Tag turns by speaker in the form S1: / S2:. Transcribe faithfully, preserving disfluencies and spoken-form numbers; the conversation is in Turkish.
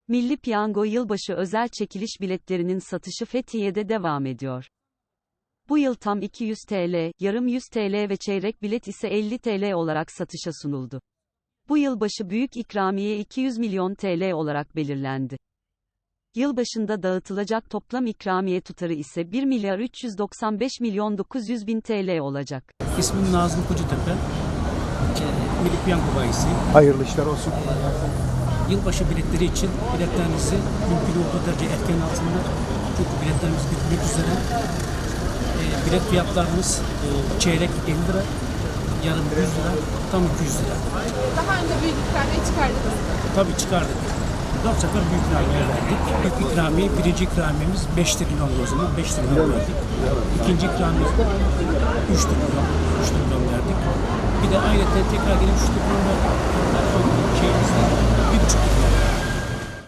S1: Milli Piyango yılbaşı özel çekiliş biletlerinin satışı Fethiye'de devam ediyor. Bu yıl tam iki yüz TL, yarım yüz TL ve çeyrek bilet ise elli TL olarak satışa sunuldu. Bu yılbaşı büyük ikramiye iki yüz milyon TL olarak belirlendi. Yılbaşında dağıtılacak toplam ikramiye tutarı ise bir milyar üç yüz doksan beş milyon dokuz yüz bin TL olacak.
S2: İsmim Nazım Kocatepe, Milli Piyango bayisi.
S3: Hayırlı işler olsun.
S2: Yılbaşı biletleri için biletlerinizi mümkün olduğu derece erken alsınlar. Çünkü biletlerimiz bitmek üzere. E, bilet fiyatlarımız e, çeyrek elli lira, yarım yüz lira, tam iki yüz lira.
S4: Daha önce büyük ikramiye çıkardınız.
S2: Tabii çıkardık. Dört sefer büyük ikramiye verdik. İlk ikramiye, birinci ikramiyemiz beş trilyon o zaman. beş trilyon verdik. İkinci ikramiyemiz üç trilyon. üç trilyon verdik. Bir de ayrıca tekrar gelip üç trilyon verdik. Şeyimizde bir buçuk trilyon verdik.